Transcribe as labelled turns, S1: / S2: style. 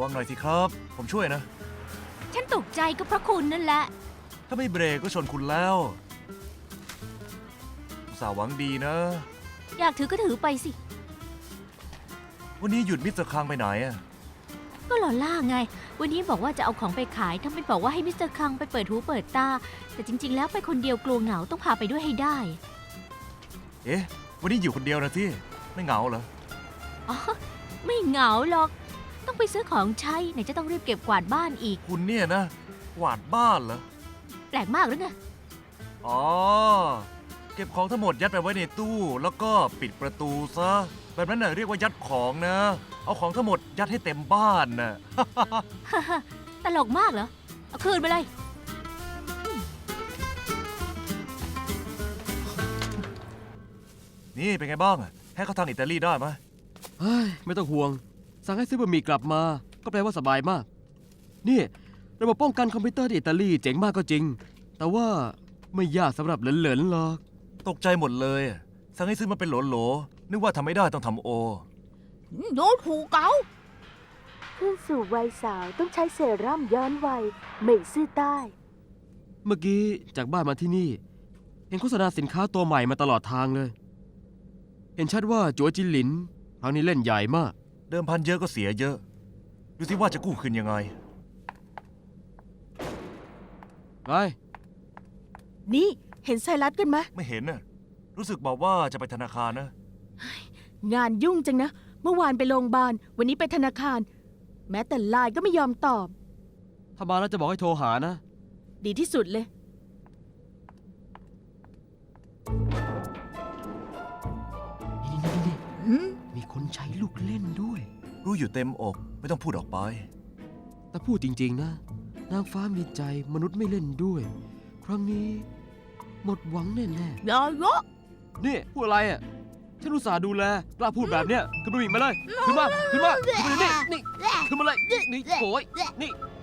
S1: วังหน่อยสิครับผมช่วยนะ
S2: ฉันตกใจก็เพราะคุณนั่นแหละ
S1: ถ้าไม่เบรกก็ชนคุณแล้วอุตส่าห์หวังดีนะ
S2: อยากถือก็ถือไปสิ
S1: วันนี้หยุดมิสเตอร์คังไปไหนอะ
S2: ก็หล่อล่าไง วันนี้บอกว่าจะเอาของไปขายทำเป็นบอกว่าให้มิสเตอร์คังไปเปิดหูเปิดตา แต่จริง ๆ แล้วไปคนเดียวกลัวเหงาต้องพาไปด้วยให้ได้
S1: เอ๊ะวันนี้อยู่คนเดียวนะที่ไม่เหงาเหรอ
S2: อ๋อ ไม่เหงาหรอก ต้องไปซื้อของใช้ไหนจะต้องรีบเก็บกวาดบ้านอีก
S1: คุณเนี่ยนะกวาดบ้านเหรอ
S2: แปลกมากหรือไง
S1: อ๋อเก็บของทั้งหมดยัดไปไว้ในตู้แล้วก็ปิดประตูซะแบบนั้นน่ะเรียกว่ายัดของนะ เอาของทั้งหมดยัดให้เต็มบ้านน่ะ
S2: ตลกมากเหรอ เอาคืนไปเลย
S1: นี่เป็นไงบ้างอะให้เขาทางอิตาลีได้ไหม
S3: เฮ้ยไม่ต้องห่วง สั่งให้ซื้อบะหมี่กลับมา ก็แปลว่าสบายมาก นี่ระบบป้องกันคอมพิวเตอร์ที่อิตาลีเจ๋งมากก็จริง แต่ว่าไม่ยากสำหรับเหลนๆหรอก
S1: ตกใจหมดเลยอะสั่งให้ซื้อมาเป็นโหลๆนึกว่าทำไม่ได้ต้องทำโอ
S2: โดนถูกเกา
S4: ขึ้นสู่วัยสาวต้องใช้เซรั่มย้อนวัยเหม่ยซื่อใต้
S3: เมื่อกี้จากบ้านมาที่นี่ เห็นโฆษณาสินค้าตัวใหม่มาตลอดทางเลย เห็นชัดว่าจัวจินหลินครั้งนี้เล่นใหญ่มาก
S1: เดิมพันเยอะก็เสียเยอะ ดูสิว่าจะกู้คืนยังไง
S3: ไป
S4: นี่เห็นไซรัสกันไหม
S1: ไม่เห็นน่ะรู้สึกบอกว่าจะไปธนาคารนะ
S4: งานยุ่งจังนะ เมื่อวานไปโรงพยาบาล วันนี้ไปธนาคาร แม้แต่ไลน์ก็ไม่ยอมตอบ
S3: ถ้ามาแล้วจะบอกให้โทรหานะ
S4: ดีที่สุดเลย
S3: นี่มีคนใช้ลูกเล่นด้วย
S1: รู้อยู่เต็มอกไม่ต้องพูดออกไป
S3: แต่พูดจริงๆนะ นางฟ้ามีใจมนุษย์ไม่เล่นด้วย ครั้งนี้ หมดหวังแน่
S4: อย่าเยอะ
S3: ๆนี่พูดอะไรอ่ะ ฉันอุตส่าห์ดูแลกล้าพูดแบบเนี้ยขึ้นมาอีกมาเลย ขึ้นมา ขึ้นมา ขึ้นมานี่ขึ้นมาเลย นี่โอยนี่